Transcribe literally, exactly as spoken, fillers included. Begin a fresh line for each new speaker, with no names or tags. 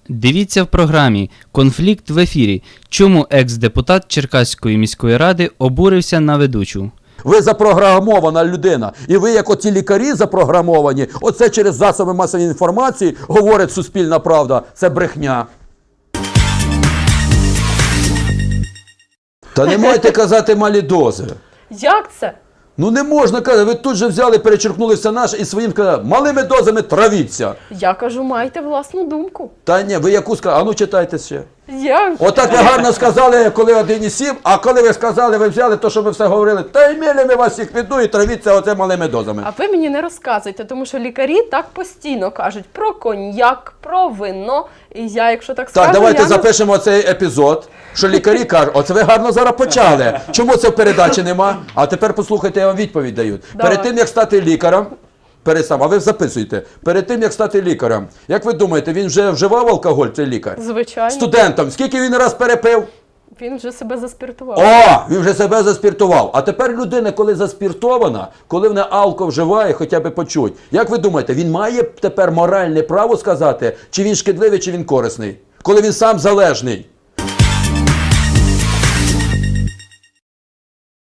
Дивіться в програмі «Конфлікт в ефірі. Чому екс-депутат Черкаської міської ради обурився на ведучу?»
Ви запрограмована людина. І ви, як оці лікарі запрограмовані, оце через засоби масової інформації говорить Суспільна правда. Це брехня. Та не можете казати малі дози.
Як це?
Ну не можна казати, ви тут же взяли, перечеркнули все наше і своїм сказали, малими дозами травіться.
Я кажу, майте власну думку.
Та ні, ви яку сказали? А ну читайте ще.
Я...
Отак ви гарно сказали, коли один і сім, а коли ви сказали, ви взяли то, що ви все говорили, та й мілі ми вас всіх піду і травіться оце малими дозами.
А ви мені не розказуйте, тому що лікарі так постійно кажуть про коньяк, про вино. І я, якщо так скажу,
Так, давайте
я не...
запишемо цей епізод, що лікарі кажуть, оце ви гарно зараз почали. Чому це в передачі нема? А тепер послухайте, я вам відповідь даю.
Давай.
Перед тим, як стати лікарем, перед сам, а ви записуйте, перед тим, як стати лікарем, як ви думаєте, він вже вживав алкоголь, цей лікар?
Звичайно.
Студентам, скільки він раз перепив?
Він вже себе заспіртував.
О, він вже себе заспіртував. А тепер людина, коли заспіртована, коли вона алко вживає, хоча б почуть. Як ви думаєте, він має тепер моральне право сказати, чи він шкідливий, чи він корисний? Коли він сам залежний.